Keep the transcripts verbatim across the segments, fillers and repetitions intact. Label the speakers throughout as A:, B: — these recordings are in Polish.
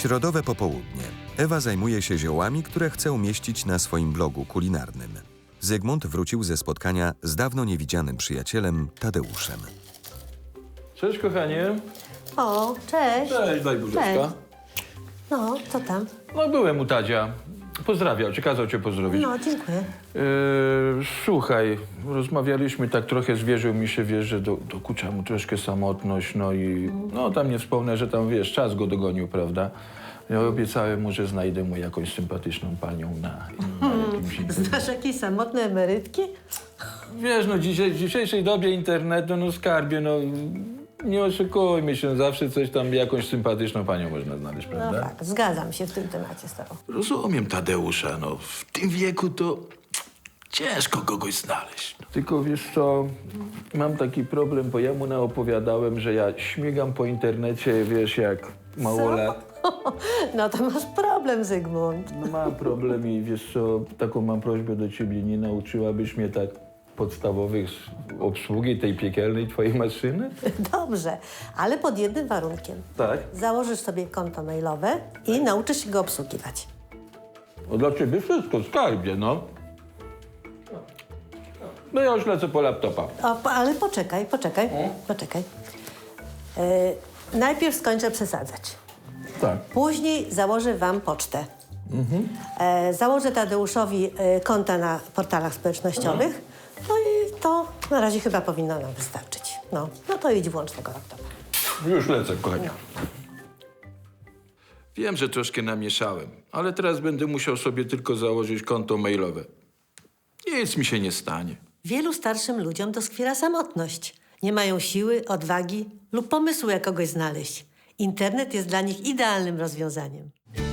A: Środowe popołudnie. Ewa zajmuje się ziołami, które chce umieścić na swoim blogu kulinarnym. Zygmunt wrócił ze spotkania z dawno niewidzianym przyjacielem Tadeuszem.
B: Cześć, kochanie.
C: O, cześć.
B: Cześć, daj buziaczka.
C: Cześć. No, co tam?
B: No, byłem u Tadzia. Pozdrawiał cię, kazał cię pozdrowić.
C: No, dziękuję.
B: Yy, słuchaj, rozmawialiśmy tak trochę, zwierzył mi się, wiesz, że do, dokucza mu troszkę samotność, no i no tam nie wspomnę, że tam, wiesz, czas go dogonił, prawda? Ja obiecałem mu, że znajdę mu jakąś sympatyczną panią na, na jakimś internecie.
C: Znasz jakieś samotne emerytki?
B: Wiesz, no dzisiaj, w dzisiejszej dobie internetu, no skarbie, no nie oszukujmy się, zawsze coś tam, jakąś sympatyczną panią można znaleźć,
C: No
B: prawda?
C: tak, zgadzam się w tym temacie z tobą.
B: Rozumiem Tadeusza, no w tym wieku to ciężko kogoś znaleźć. Tylko wiesz co, mam taki problem, bo ja mu naopowiadałem, że ja śmigam po internecie, wiesz, jak małolat.
C: No to masz problem, Zygmunt.
B: No mam problem i wiesz co, taką mam prośbę do ciebie, nie nauczyłabyś mnie tak podstawowych obsługi tej piekielnej twojej maszyny?
C: Dobrze, ale pod jednym warunkiem.
B: Tak.
C: Założysz sobie konto mailowe i nauczysz się go obsługiwać.
B: No dla ciebie wszystko, skarbie, no. No ja już lecę po laptopa.
C: O, po- ale poczekaj, poczekaj, poczekaj. Yy, najpierw skończę przesadzać.
B: Tak.
C: Później założę wam pocztę. E, założę Tadeuszowi e, konta na portalach społecznościowych. No i to na razie chyba powinno nam wystarczyć. No, no to idź włącz tego laptopa.
B: Już lecę, kochanie. Wiem, że troszkę namieszałem, ale teraz będę musiał sobie tylko założyć konto mailowe. Nic mi się nie stanie.
C: Wielu starszym ludziom doskwiera samotność. Nie mają siły, odwagi lub pomysłu, jak kogoś znaleźć. Internet jest dla nich idealnym rozwiązaniem.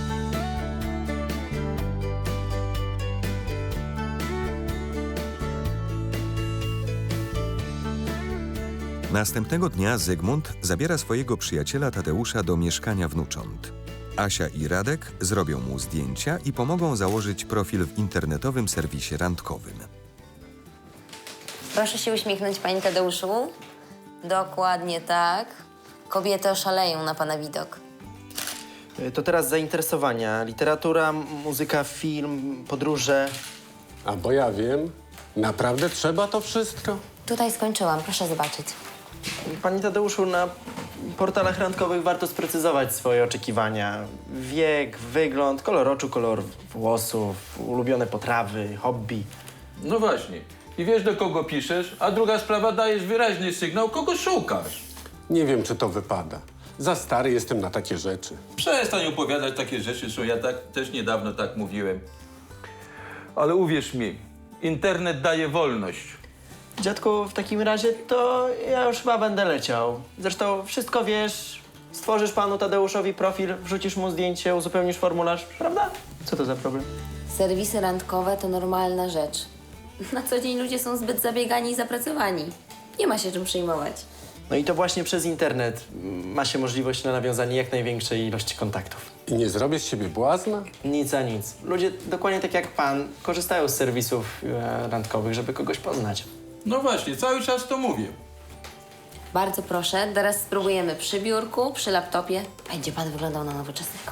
A: Następnego dnia Zygmunt zabiera swojego przyjaciela Tadeusza do mieszkania wnucząt. Asia i Radek zrobią mu zdjęcia i pomogą założyć profil w internetowym serwisie randkowym.
D: Proszę się uśmiechnąć, panie Tadeuszu. Dokładnie tak. Kobiety oszaleją na pana widok.
E: To teraz zainteresowania. Literatura, m- muzyka, film, podróże.
F: A bo ja wiem, naprawdę trzeba to wszystko?
D: Tutaj skończyłam, proszę zobaczyć.
E: Panie Tadeuszu, na portalach randkowych warto sprecyzować swoje oczekiwania. Wiek, wygląd, kolor oczu, kolor włosów, ulubione potrawy, hobby.
B: No właśnie. I wiesz, do kogo piszesz, a druga sprawa, dajesz wyraźny sygnał, kogo szukasz.
F: Nie wiem, czy to wypada. Za stary jestem na takie rzeczy.
B: Przestań opowiadać takie rzeczy, co ja tak, też niedawno tak mówiłem. Ale uwierz mi, internet daje wolność.
E: Dziadku, w takim razie to ja już chyba będę leciał. Zresztą wszystko wiesz, stworzysz panu Tadeuszowi profil, wrzucisz mu zdjęcie, uzupełnisz formularz, prawda? Co to za problem?
D: Serwisy randkowe to normalna rzecz. Na co dzień ludzie są zbyt zabiegani i zapracowani. Nie ma się czym przejmować.
E: No i to właśnie przez internet ma się możliwość na nawiązanie jak największej ilości kontaktów.
F: I nie zrobię z siebie błazna?
E: Nic a nic. Ludzie dokładnie tak jak pan korzystają z serwisów e, randkowych, żeby kogoś poznać.
B: No właśnie, cały czas to mówię.
D: Bardzo proszę, teraz spróbujemy przy biurku, przy laptopie. Będzie pan wyglądał na nowoczesnego.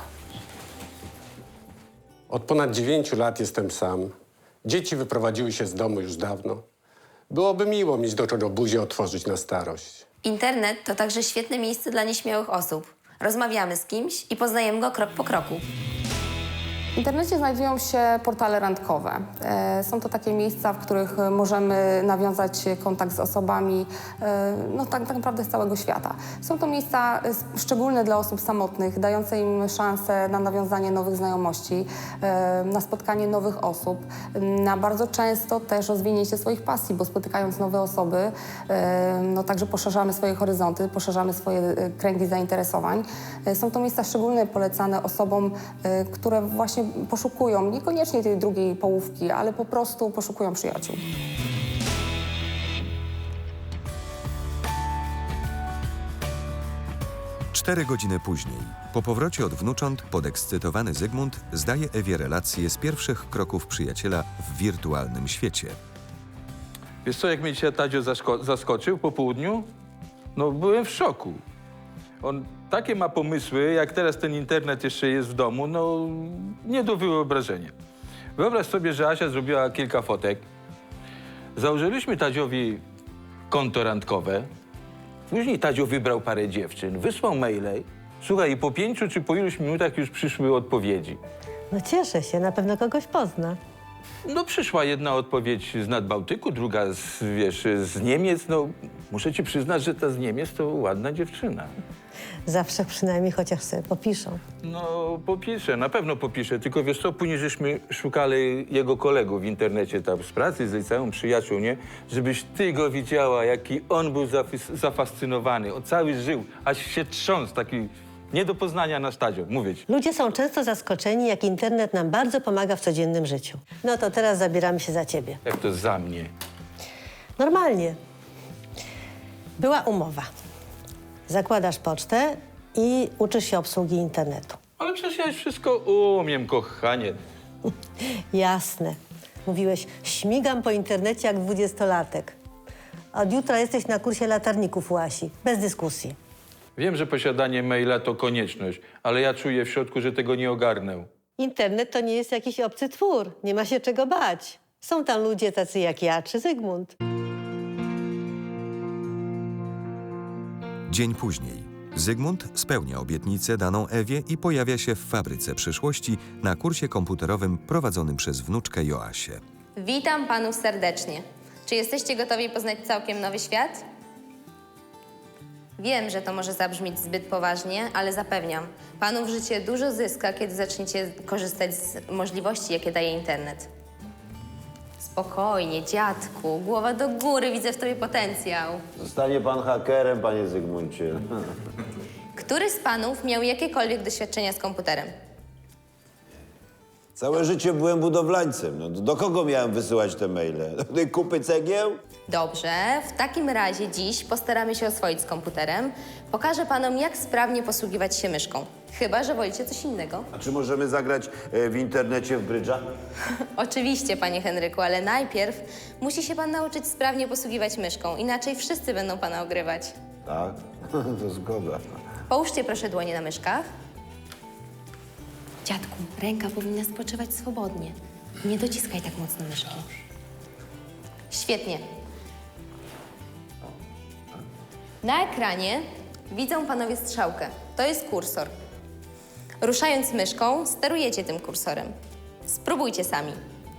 F: Od ponad dziewięciu lat jestem sam. Dzieci wyprowadziły się z domu już dawno. Byłoby miło mieć do czego buzię otworzyć na starość.
D: Internet to także świetne miejsce dla nieśmiałych osób. Rozmawiamy z kimś i poznajemy go krok po kroku.
G: W internecie znajdują się portale randkowe. E, Są to takie miejsca, w których możemy nawiązać kontakt z osobami e, no, tak, tak naprawdę z całego świata. Są to miejsca s- szczególne dla osób samotnych, dające im szansę na nawiązanie nowych znajomości, e, na spotkanie nowych osób, na bardzo często też rozwinięcie swoich pasji, bo spotykając nowe osoby, e, no, także poszerzamy swoje horyzonty, poszerzamy swoje e, kręgi zainteresowań. E, Są to miejsca szczególnie polecane osobom, e, które właśnie poszukują niekoniecznie tej drugiej połówki, ale po prostu poszukują przyjaciół.
A: Cztery godziny później, po powrocie od wnucząt, podekscytowany Zygmunt zdaje Ewie relacje z pierwszych kroków przyjaciela w wirtualnym świecie.
B: Wiesz co, jak mnie dzisiaj Tadzio zasko- zaskoczył po południu? No byłem w szoku. On takie ma pomysły, jak teraz ten internet jeszcze jest w domu, no nie do wyobrażenia. Wyobraź sobie, że Asia zrobiła kilka fotek. Założyliśmy Tadziowi konto randkowe. Później Tadzio wybrał parę dziewczyn, wysłał maile. Słuchaj, i po pięciu czy po iluś minutach już przyszły odpowiedzi.
C: No cieszę się, na pewno kogoś pozna.
B: No przyszła jedna odpowiedź z Nadbałtyku, druga z, wiesz, z Niemiec. No muszę ci przyznać, że ta z Niemiec to ładna dziewczyna.
C: Zawsze przynajmniej chociaż sobie popiszą.
B: No popiszę, na pewno popiszę, tylko wiesz co, później żeśmy szukali jego kolegów w internecie, tam z pracy, z liceum, przyjaciół, nie? Żebyś ty go widziała, jaki on był zafis- zafascynowany, on cały żył, aż się trząsł, taki nie do poznania na stadzie, mówię ci.
C: Ludzie są często zaskoczeni, jak internet nam bardzo pomaga w codziennym życiu. No to teraz zabieramy się za ciebie.
B: Jak to za mnie?
C: Normalnie. Była umowa. Zakładasz pocztę i uczysz się obsługi internetu.
B: Ale przecież ja już wszystko umiem, kochanie.
C: Jasne. Mówiłeś, śmigam po internecie jak dwudziestolatek. Od jutra jesteś na kursie latarników u Asi. Bez dyskusji.
B: Wiem, że posiadanie maila to konieczność, ale ja czuję w środku, że tego nie ogarnę.
C: Internet to nie jest jakiś obcy twór. Nie ma się czego bać. Są tam ludzie tacy jak ja czy Zygmunt.
A: Dzień później. Zygmunt spełnia obietnicę daną Ewie i pojawia się w fabryce przyszłości na kursie komputerowym prowadzonym przez wnuczkę Joasię.
D: Witam panów serdecznie. Czy jesteście gotowi poznać całkiem nowy świat? Wiem, że to może zabrzmieć zbyt poważnie, ale zapewniam, panów życie dużo zyska, kiedy zaczniecie korzystać z możliwości, jakie daje internet. Spokojnie, dziadku, głowa do góry, widzę w tobie potencjał.
H: Zostanie pan hakerem, panie Zygmuncie.
D: Który z panów miał jakiekolwiek doświadczenia z komputerem?
H: Całe życie byłem budowlańcem. No, do kogo miałem wysyłać te maile? Do tej kupy cegieł?
D: Dobrze, w takim razie dziś postaramy się oswoić z komputerem. Pokażę panom, jak sprawnie posługiwać się myszką. Chyba że wolicie coś innego.
H: A czy możemy zagrać e, w internecie w brydża?
D: Oczywiście, panie Henryku, ale najpierw musi się pan nauczyć sprawnie posługiwać myszką, inaczej wszyscy będą pana ogrywać.
H: Tak, to zgoda.
D: Połóżcie proszę dłonie na myszkach. Dziadku, ręka powinna spoczywać swobodnie. Nie dociskaj tak mocno myszki. Świetnie. Na ekranie widzą panowie strzałkę. To jest kursor. Ruszając myszką, sterujecie tym kursorem. Spróbujcie sami.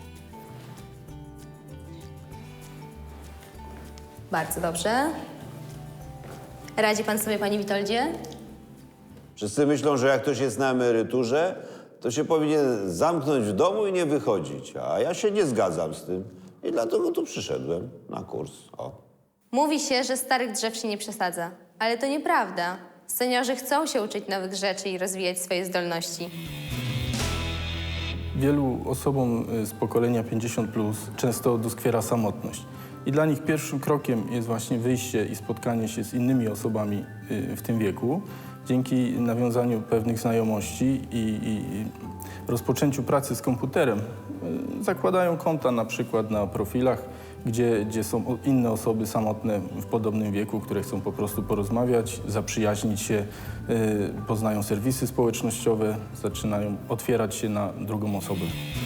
D: Bardzo dobrze. Radzi pan sobie, panie Witoldzie?
H: Wszyscy myślą, że jak ktoś jest na emeryturze, to się powinien zamknąć w domu i nie wychodzić. A ja się nie zgadzam z tym. I dlatego tu przyszedłem na kurs. O.
D: Mówi się, że starych drzew się nie przesadza, ale to nieprawda. Seniorzy chcą się uczyć nowych rzeczy i rozwijać swoje zdolności.
I: Wielu osobom z pokolenia pięćdziesiąt plus często doskwiera samotność. I dla nich pierwszym krokiem jest właśnie wyjście i spotkanie się z innymi osobami w tym wieku. Dzięki nawiązaniu pewnych znajomości i, i rozpoczęciu pracy z komputerem zakładają konta na przykład na profilach, gdzie, gdzie są inne osoby samotne w podobnym wieku, które chcą po prostu porozmawiać, zaprzyjaźnić się, y, poznają serwisy społecznościowe, zaczynają otwierać się na drugą osobę.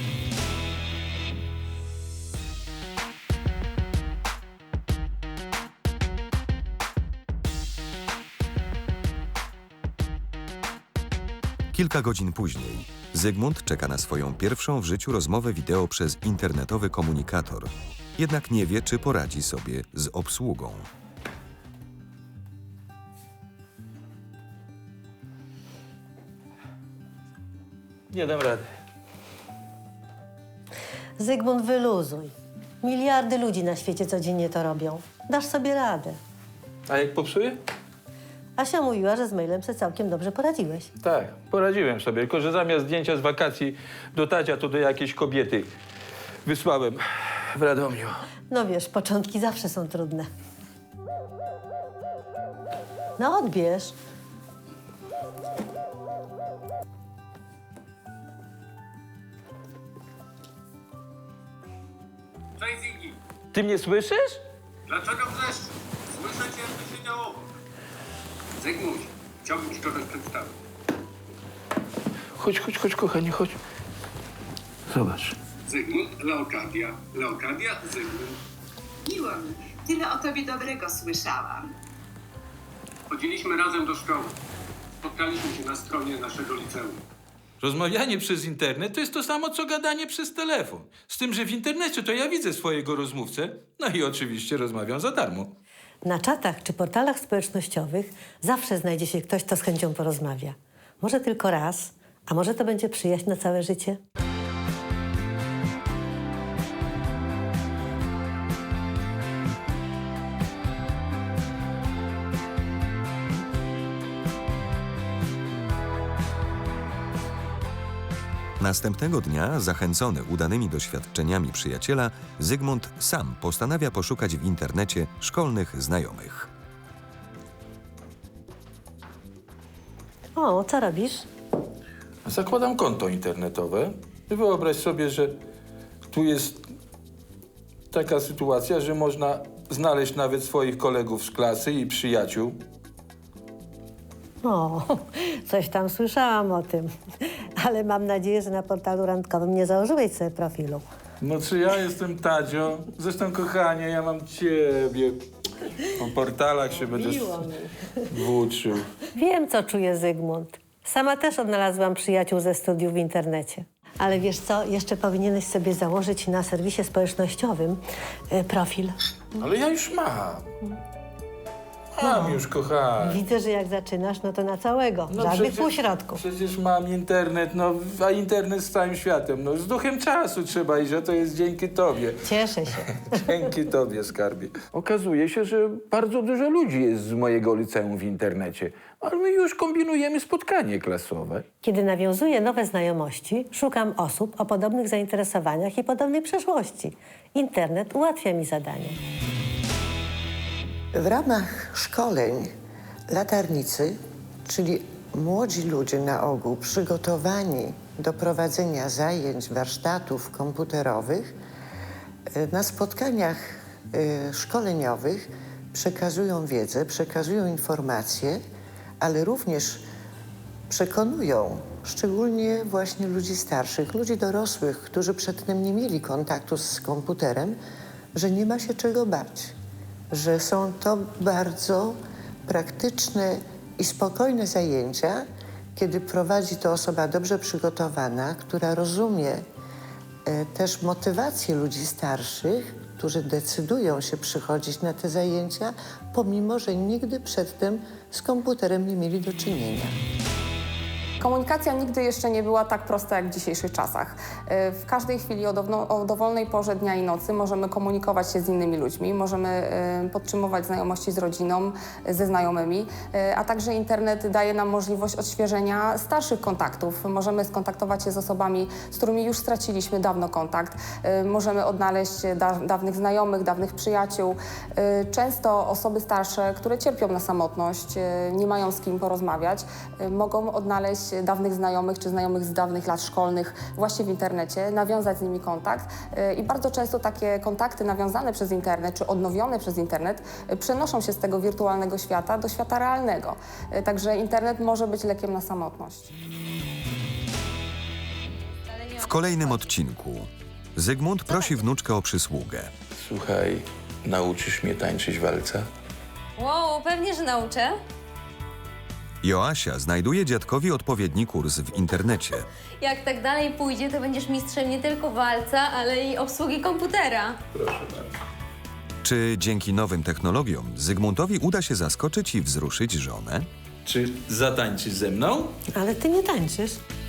A: Kilka godzin później Zygmunt czeka na swoją pierwszą w życiu rozmowę wideo przez internetowy komunikator. Jednak nie wie, czy poradzi sobie z obsługą.
B: Nie dam rady.
C: Zygmunt, wyluzuj. Miliardy ludzi na świecie codziennie to robią. Dasz sobie radę.
B: A jak popsuję?
C: Asia mówiła, że z mailem sobie całkiem dobrze poradziłeś.
B: Tak, poradziłem sobie, tylko że zamiast zdjęcia z wakacji do Tadzia, to do jakiejś kobiety wysłałem w Radomiu.
C: No wiesz, początki zawsze są trudne. No odbierz.
J: Cześć Ziggy,
B: Ty mnie słyszysz?
J: dlaczego wrzeszczysz? Słyszę cię, co się działo. Zygmuś, Chciałbym ci kogoś przedstawić.
B: Chodź, chodź, chodź, kochanie, chodź. Zobacz.
J: Zygmunt, Leokadia. Leokadia, Zygmunt.
K: Miło mi. Tyle o tobie dobrego słyszałam.
J: Chodziliśmy razem do szkoły. Spotkaliśmy się na stronie naszego liceum.
B: Rozmawianie przez internet to jest to samo, co gadanie przez telefon. Z tym, że w internecie to ja widzę swojego rozmówcę, no i oczywiście rozmawiam za darmo.
C: Na czatach czy portalach społecznościowych zawsze znajdzie się ktoś, kto z chęcią porozmawia. Może tylko raz, a może to będzie przyjaźń na całe życie.
A: Następnego dnia, zachęcony udanymi doświadczeniami przyjaciela, Zygmunt sam postanawia poszukać w internecie szkolnych znajomych.
C: O, co robisz?
B: Zakładam konto internetowe. Wyobraź sobie, że tu jest taka sytuacja, że można znaleźć nawet swoich kolegów z klasy i przyjaciół.
C: O, coś tam słyszałam o tym. Ale mam nadzieję, że na portalu randkowym nie założyłeś sobie profilu.
B: No czy ja jestem Tadzio? Zresztą, kochanie, ja mam ciebie. Po portalach się będę
C: Miło mi.
B: włóczył.
C: Wiem, co czuje Zygmunt. Sama też odnalazłam przyjaciół ze studiów w internecie. Ale wiesz co, jeszcze powinieneś sobie założyć na serwisie społecznościowym y, profil.
B: Ale ja już mam. Mam już, kochanie.
C: Widzę, że jak zaczynasz, no to na całego.
B: No
C: Żadnych
B: przecież-
C: półśrodków.
B: Przecież mam internet, no, a internet z całym światem. No, z duchem czasu trzeba iść, a to jest dzięki tobie.
C: Cieszę się.
B: Dzięki tobie, skarbie. Okazuje się, że bardzo dużo ludzi jest z mojego liceum w internecie, ale my już kombinujemy spotkanie klasowe.
C: Kiedy nawiązuję nowe znajomości, szukam osób o podobnych zainteresowaniach i podobnej przeszłości. Internet ułatwia mi zadanie.
L: W ramach szkoleń latarnicy, czyli młodzi ludzie na ogół przygotowani do prowadzenia zajęć, warsztatów komputerowych, na spotkaniach y, szkoleniowych przekazują wiedzę, przekazują informacje, ale również przekonują szczególnie właśnie ludzi starszych, ludzi dorosłych, którzy przedtem nie mieli kontaktu z komputerem, że nie ma się czego bać, że są to bardzo praktyczne i spokojne zajęcia, kiedy prowadzi to osoba dobrze przygotowana, która rozumie e, też motywację ludzi starszych, którzy decydują się przychodzić na te zajęcia, pomimo że nigdy przedtem z komputerem nie mieli do czynienia.
G: Komunikacja nigdy jeszcze nie była tak prosta jak w dzisiejszych czasach. Y, W każdej chwili o, downo, o dowolnej porze dnia i nocy możemy komunikować się z innymi ludźmi, możemy y, podtrzymywać znajomości z rodziną, y, ze znajomymi, y, a także internet daje nam możliwość odświeżenia starszych kontaktów. Możemy skontaktować się z osobami, z którymi już straciliśmy dawno kontakt. Y, Możemy odnaleźć da, dawnych znajomych, dawnych przyjaciół. Y, Często osoby starsze, które cierpią na samotność, y, nie mają z kim porozmawiać, y, mogą odnaleźć dawnych znajomych czy znajomych z dawnych lat szkolnych właśnie w internecie, nawiązać z nimi kontakt y, i bardzo często takie kontakty nawiązane przez internet czy odnowione przez internet y, przenoszą się z tego wirtualnego świata do świata realnego. Y, Także internet może być lekiem na samotność.
A: W kolejnym odcinku Zygmunt prosi wnuczkę o przysługę.
B: Słuchaj, nauczysz mnie tańczyć walca?
D: Wow, pewnie, że nauczę.
A: Joasia znajduje dziadkowi odpowiedni kurs w internecie.
D: Jak tak dalej pójdzie, to będziesz mistrzem nie tylko walca, ale i obsługi komputera.
B: Proszę bardzo.
A: Czy dzięki nowym technologiom Zygmuntowi uda się zaskoczyć i wzruszyć żonę?
B: Czy zatańczysz ze mną?
C: Ale ty nie tańczysz.